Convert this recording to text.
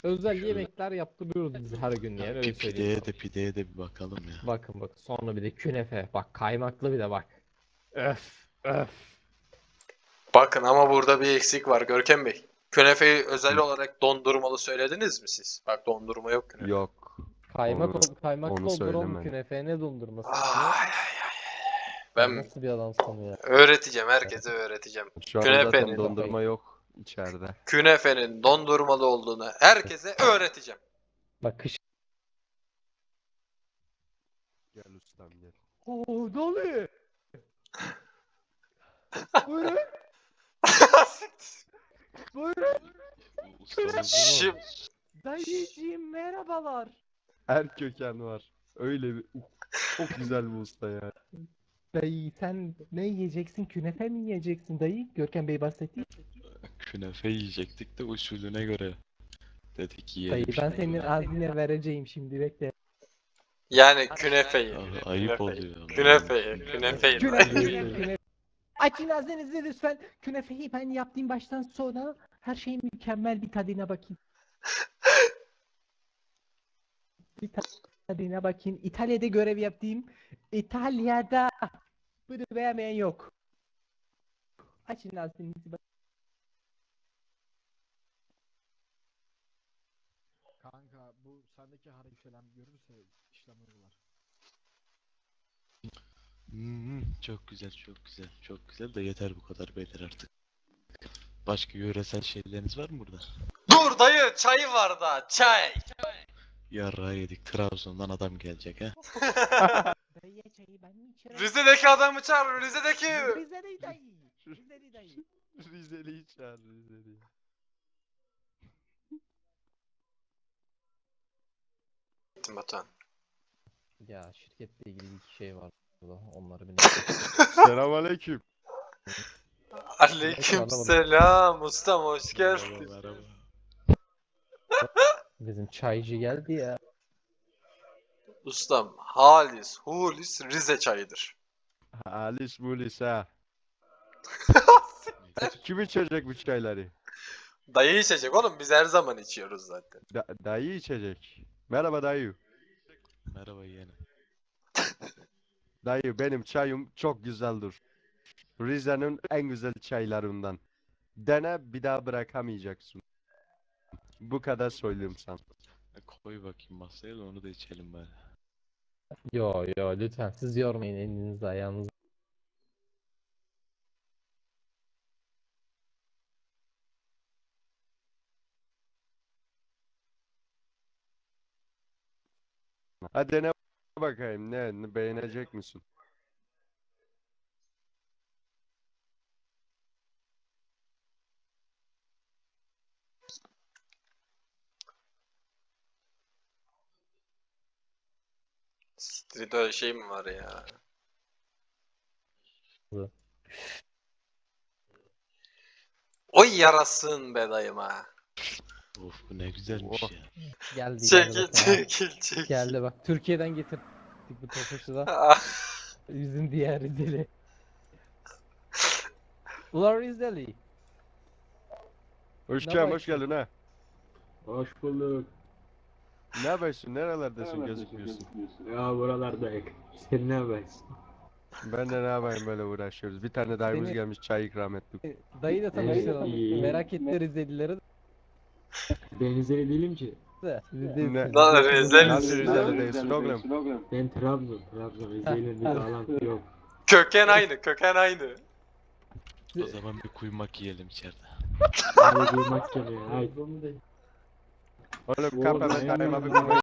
Özel Şu yemekler yaptırıyoruz biz her gün yani öyle söyleyeyim. pideye de bir bakalım ya. Bakın sonra bir de künefe. Bak kaymaklı bir de bak. Öf öf. Bakın ama burada bir eksik var Görkem Bey. Künefeyi özel olarak dondurmalı söylediniz mi siz? Bak dondurma yok künefe. Yok. Kaymaklı Onu olur oğlum söylemedim. künefe ne dondurması ya? Ay. Sen Ben nasıl bir adamsın ya? öğreteceğim, herkese öğreteceğim. Şu an zaten Künefenin, dondurma yok içeride. künefenin dondurmalı olduğunu herkese öğreteceğim. Bak kış. Gel ustam gel. Oo dolu. Buyurun. Buyurun. Ustamız Şimdi Dayıcığım merhabalar. her köken var. Öyle bir çok güzel bir usta ya. Dayı sen ne yiyeceksin? Künefe mi yiyeceksin dayı? Görkem Bey bahsetti. Künefe yiyecektik de usulüne göre dedik Dayı yiyelim ben şimdi. senin ağzına vereceğim şimdi bekle. yani künefeyi. Ayıp oluyor. Künefeyi. Künefe. Açın ağzınızı lütfen. Künefeyi ben yaptığım baştan sonra her şey mükemmel bir tadına bakayım. Bir tadına bakayım. İtalya'da görev yaptım. İtalya'da bunu beğenmeyen yok. Açın ağzınızı. Kanka bu sendeki hareketler görürse işlem uygular. Çok güzel, çok güzel, çok güzel de yeter bu kadar beyler artık. Başka yöresel şeyleriniz var mı burada? Dur dayı, çay var da, çay. Yarrağı yedik. Trabzon'dan adam gelecek ha. Dayı çayı ben mi içerim? Rize'deki adamı çağır, Rize'deki. Rize'li dayı. Rize'li dayı. Rizeli'yi çağır Rizeli. Batuhan. Ya şirketle ilgili iki şey var burada. Onları bir Selamünaleyküm. Aleyküm selam ustam, hoş geldin. Merhaba, merhaba. Bizim çaycı geldi ya. Ustam, halis, hulis Rize çayıdır. Halis mulis ha. Kim içecek bu çayları? Dayı içecek oğlum, biz her zaman içiyoruz zaten. Dayı içecek. Merhaba dayı. Merhaba yeğenim. Dayı benim çayım çok güzeldir. Rize'nin en güzel çaylarından. Dene bir daha bırakamayacaksın. Bu kadar söyleyeyim sana. Koy bakayım masaya da onu da içelim bari. Yo lütfen siz yormayın elinizi ayağınızı. Hadi dene bakayım ne beğenecek misin? Street öyle şey mi var ya? Oy yarasın be dayıma. Of bu ne güzelmiş ya. Geldi Çekil bakın, ha. çekil çekil. Geldi bak. Türkiye'den getirdik bu topaşı da. Ah, Bizim diğer Rizeli. Ulan Rizeli. Hoş Ne geldin, bak- hoş geldin ha. Hoş bulduk. Ne yapıyorsun? Nerelerdesin gözükmüyorsun? Ya buralardayız. Sen ne yapıyorsun? Ben de ne yapayım böyle uğraşıyoruz. Bir tane dayımız Seni- gelmiş çay ikram ettik. Dayı da tanıştıralım. iyi. Merak etti Rizelileri Ben Rizeli değilim ki. de. Ne? Lan Rizeli. Nasıl Rize'li değilsin oğlum? Ben Trabzon. Rize'yle bir bağlantı yok. Köken aynı, köken aynı. O zaman bir kuymak yiyelim içeride. Hadi duymak geliyor. Haydi. Oğlum Oğlum, kap hemen aynen. dayıma bir kuymak